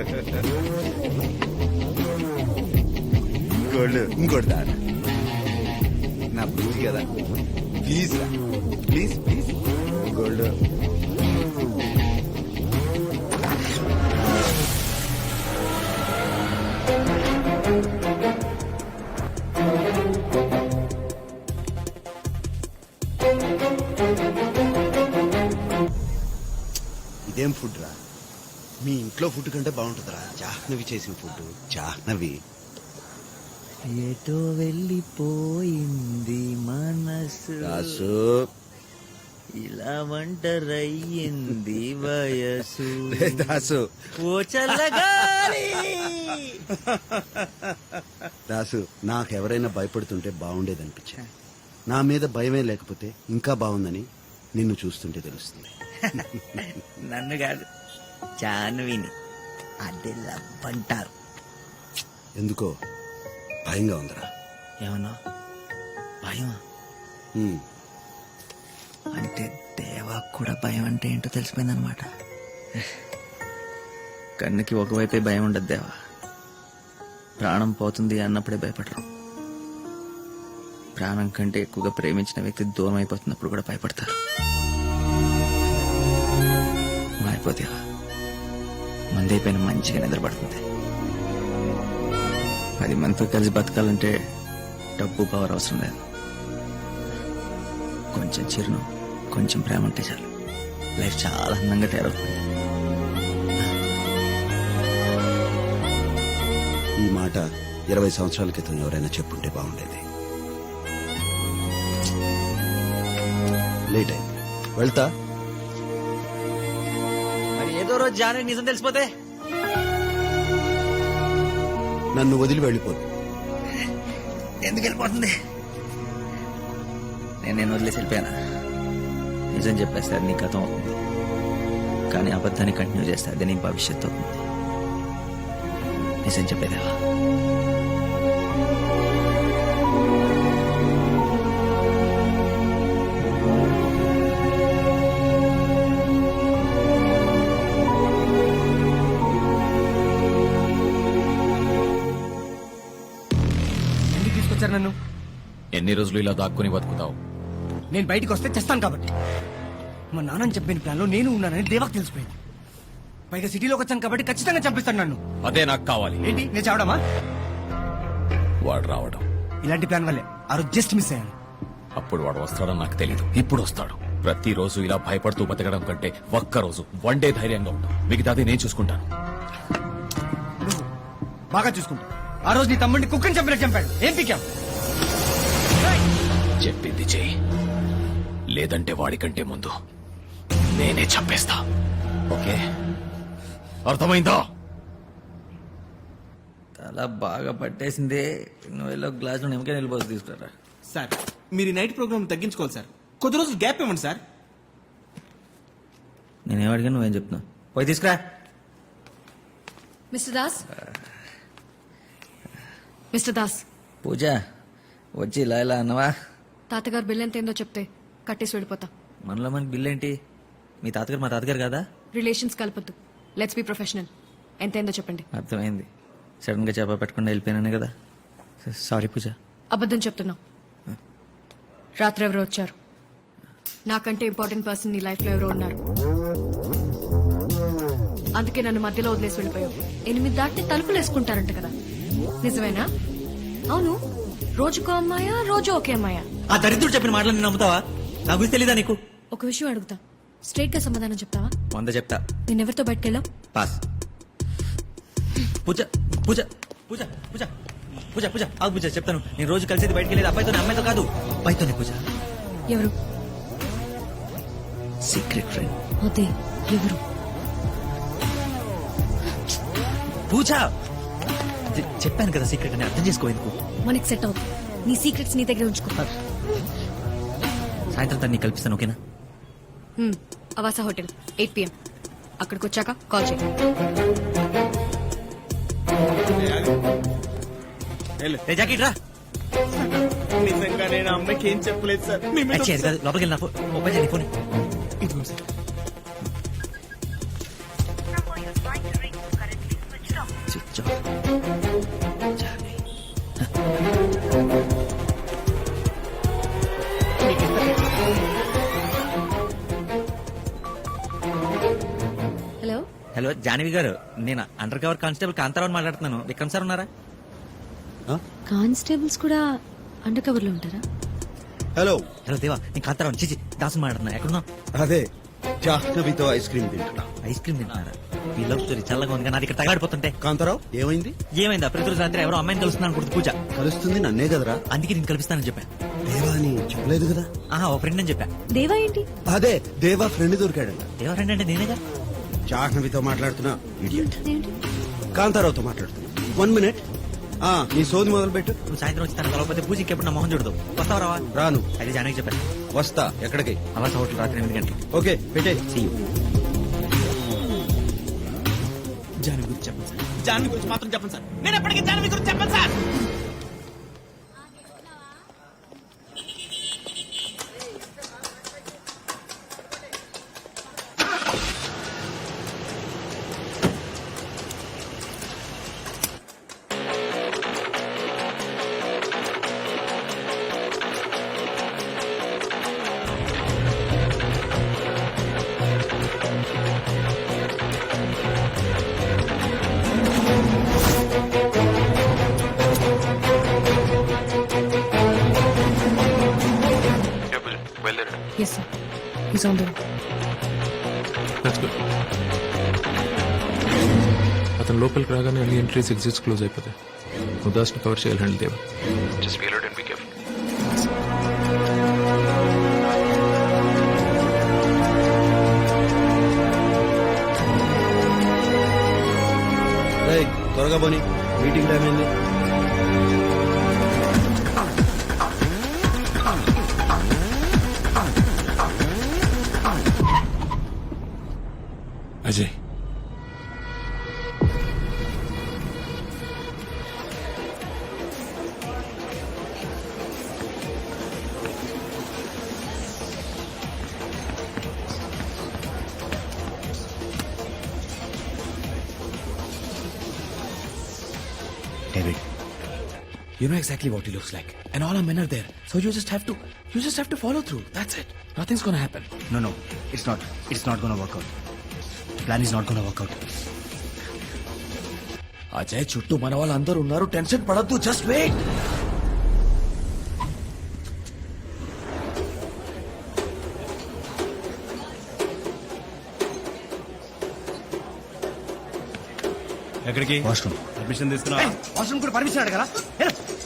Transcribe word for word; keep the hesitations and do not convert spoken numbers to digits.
ఇంకోళ్ళు ఇంకోటి దా నా బుద్ధి కదా, ప్లీజ్ రా, ప్లీజ్ ప్లీజ్ ఇంకోళ్ళు. ఇదేం ఫుడ్ రా, మీ ఇంట్లో ఫుడ్ కంటే బాగుంటుందిరా జాహ్నవి చేసిన ఫుడ్. జాహ్నవి ఎటో వెళ్ళిపోయింది మనసు, రాసు ఇలా ఒంటరయ్యింది వయసు. దాసు ఓ చల్లగాలి. దాసు నాకెవరైనా భయపడుతుంటే బాగుండేదనిపించింది. నా మీద భయమే లేకపోతే ఇంకా బాగుందని నిన్ను చూస్తుంటే తెలుస్తుంది. నన్ను కాదు, జాన్విని. అదే లవ్ అంటారు. ఎందుకో భయంగా ఉందిరా. ఏమన్నా భయమా? ఉమ్, అంటే దేవా కూడా భయం అంటే ఏంటో తెలిసిపోయిందనమాట. కన్నుకి ఒకవైపే భయం ఉండదు దేవా. ప్రాణం పోతుంది అన్నప్పుడే భయపడరు. ప్రాణం కంటే ఎక్కువగా ప్రేమించిన వ్యక్తి దూరం అయిపోతున్నప్పుడు కూడా భయపడతారు. మారిపోతేవా మందైపోయిన మంచిగా నిద్రపడుతుంది. పది మందితో కలిసి బతకాలంటే డబ్బు పవర్ అవసరం లేదు. కొంచెం చిరును, కొంచెం ప్రేమ ఉంటే చాలు. లైఫ్ చాలా అందంగా తయారవుతుంది. ఈ మాట ఇరవై సంవత్సరాల క్రితం ఎవరైనా చెప్పుంటే బాగుండేది. లేట్ అయింది, వెళ్తా. మరి ఏదో రోజు జానే నిజం తెలిసిపోతే నన్ను వదిలి వెళ్ళిపోదు. ఎందుకు వెళ్ళిపోతుంది? నేను నేను వదిలేసి వెళ్ళిపోయానా? నిజం చెప్పేస్తే అది నీ గతం అవుతుంది, కానీ అబద్ధాన్ని కంటిన్యూ చేస్తే అది నీ భవిష్యత్తు అవుతుంది. నిజం చెప్పేదేవా. నన్ను ఎన్ని రోజులు ఇలా దాక్కుని బతుకుతావు? నేను బయటికి వస్తే చేస్తాను కాబట్టి. మా నాన్నని చెప్పిన ప్లాన్ లో నేను ఉన్నానని దేవాకు తెలిసిపోయింది. పైగా సిటీలోకి వచ్చాను కాబట్టి ఖచ్చితంగా చంపిస్తాను నన్ను. అదే నాకు కావాలి. ఏంటి నేను చావడమా? వాడు రావడం. ఇలాంటి ప్లాన్ వల్లే ఆ రోజు జస్ట్ మిస్ అయ్యాను. అప్పుడు వాడు వస్తాడని నాకు తెలియదు. ఇప్పుడు వస్తాడు. ప్రతిరోజు ఇలా భయపడుతూ బతకడం కంటే ఒక్కరోజు వన్ డే ధైర్యంగా ఉంటాం. మిగతాది నేను చూసుకుంటాను. నువ్వు బాగా చూసుకుంటా. ఆ రోజు నీ తమ్ముడిని కుక్కని చంపినట్టు చంపాడు. ఏం పీకాం? చెప్పింది చెయ్యి, లేదంటే వాడికంటే ముందు నేనే చంపేస్తా. ఓకే, అర్థమైందా? తల బాగా పట్టేసింది. నువ్వు వెళ్ళి ఒక గ్లాసులో నిమ్మకాయ నిలిపోసి తీసుకురా. సార్ మీరు ఈ నైట్ ప్రోగ్రామ్ తగ్గించుకోవాలి సార్. కొద్ది రోజులు గ్యాప్ ఇవ్వండి సార్. నేనేం అడిగా నువ్వేం చెప్తున్నావు? పోయి తీసుకురా. Mister Das, mister Das. పూజ వచ్చి ఇలా ఇలా అన్నవా? తాతగారు బిల్ ఎంత ఏందో చెప్తే కట్టేసి వెళ్ళిపోతా. మనలో మనకి బిల్ ఏంటి? మీ తాతగారు మా తాతగారు కాదా? రిలేషన్స్ కలపొద్దు. Let's be professional. ఎంత ఏందో చెప్పండి. అర్థమైంది. సడన్ గా చేప పెట్టకుండా వెళ్ళిపోయినానే కదా. సారీ పూజ. అబద్ధం చెప్తున్నావు. రాత్రి ఎవరో వచ్చారు. నాకంటే ఇంపార్టెంట్ పర్సన్ నీ లైఫ్ లో ఎవరో ఉన్నారు. అందుకే నన్ను మధ్యలో వదిలేసి వెళ్ళిపోయావు. ఎనిమిది దాటి తలుపులు వేసుకుంటారంట కదా, నిజమేనా? అవును, రోజుకో అమ్మాయా, రోజు ఒకే అమ్మాయా? ఆ దరిద్రుడు చెప్పిన మాటలు నేను నమ్ముతావా? నా గురించి తెలీదా నీకు? ఒక విషయం అడుగుతా, స్ట్రైట్ గా సమాధానం చెప్తావా? వంద చెప్తా. నేనెవరితో బయటకెళ్ళావు? పాస్. పూజ పూజ పూజ పూజ పూజ పూజ ఆగు పూజ, చెప్తాను. నేను రోజు కలిసేది బయటకు వెళ్ళేది అబ్బాయితో, అమ్మాయితో కాదు, అబ్బాయితోనే పూజ. ఎవరు? Secret friend. అదే ఎవరు? పూజ చె- చెప్పాను కదా సీక్రెట్ అని, అర్థం చేసుకో. ఎందుకు మనకి సెట్ అవుతుంది. నీ సీక్రెట్స్ నీ దగ్గర ఉంచుకో. సాయంత్రం తను నీకు కల్పిస్తాను, ఓకేనా? హ్మ్, అవాసా హోటల్ ఎయిట్ పిఎం. అక్కడికి వచ్చాక కాల్ చేయి. ఏ జాకెట్ రా. నిజంగా నేను అమ్మాయికి ఏం చెప్పలేదు సార్. మీ మీద అచ్చే, అది కాదు, లోపలికి వెళ్ళిన ఓపెన్ చేయండి ఫోన్. ఇదిగో సార్. హలో హలో జానవి గారు నేను అండర్ కవర్ కానిస్టేబుల్ కాంతారావు మాట్లాడుతున్నాను విక్రమ్ సార్ ఉన్నారా ఆ? కానిస్టేబుల్స్ కూడా అండర్ కవర్ లో ఉంటారా? హలో హలో దేవా నేను కాంతారావు చిచి దాసు మాట్లాడుతున్నా ఎక్కడున్నా అదే జాహ్నవితో ఐస్ క్రీమ్ తింటున్నా. ఐస్ క్రీమ్ తింటున్నారా ఈ లవ్ స్టోరీ చల్లగా ఉంది కానీ నాది ఇక్కడ తగాడిపోతుంటే కాంతారావు ఏమైంది? ఏమైందా ప్రతిరోజు రాత్రి ఎవరో అమ్మాయిని కలుస్తున్నాను అనుకుంటుంది పూజ కలుస్తుంది నన్నే కదరా. అందుకే నేను కల్పిస్తానని చెప్పా దేవా అని చెప్పలేదు కదా. ఆహా ఓ ఫ్రెండ్ అని చెప్పా దేవా ఏంటి? అదే దేవా ఫ్రెండ్ దొరికాడంట. దేవా ఫ్రెండ్ అంటే నేనేగా జాహ్నవితో మాట్లాడుతున్నా. ఇడియట్. ఏంటి? కాంతారావుతో మాట్లాడుతున్నా. One minute. ఆ నీ సోది మొదలు పెట్టు. నువ్వు సాయంత్రం వచ్చి తన కలవకపోతే పూజకి ఎప్పుడు నా మొహం చూడదు వస్తావా రావా రాను. అయితే జానకి చెప్పాను వస్తా. ఎక్కడికి? అవాస హోటల్ రాత్రి ఎనిమిది గంటలకి ఓకే పెట్టే. See you. జానవి గురించి చెప్పండి సార్ జాన్వి గురించి మాత్రం చెప్పండి సార్. నేను ఎప్పటికీ జాన్వి గురించి చెప్పండి sir. Yes sir is on the అతను లోపలికి రాగానే అన్ని ఎంట్రీస్ ఎగ్జిట్స్ క్లోజ్ అయిపోతాయి. ఉదాస్ని కవర్ చేయాలి handle Deva. Just be alert and be careful. రేయ్, త్వరగా పోనీ మీటింగ్ టైం అయింది. Ajay David, you know exactly what he looks like, and all our men are there. So you just have to, you just have to follow through. That's it. Nothing's gonna happen. No, no, it's not. It's not gonna work out. The plan is not gonna work out. Ajay చుట్టూ మన వాళ్ళందరూ ఉన్నారు. Tension పడద్దు. Just wait. ఎక్కడికి? Washroom. Admission తీసుకున్నా? Washroom కూడా permission అడగరా?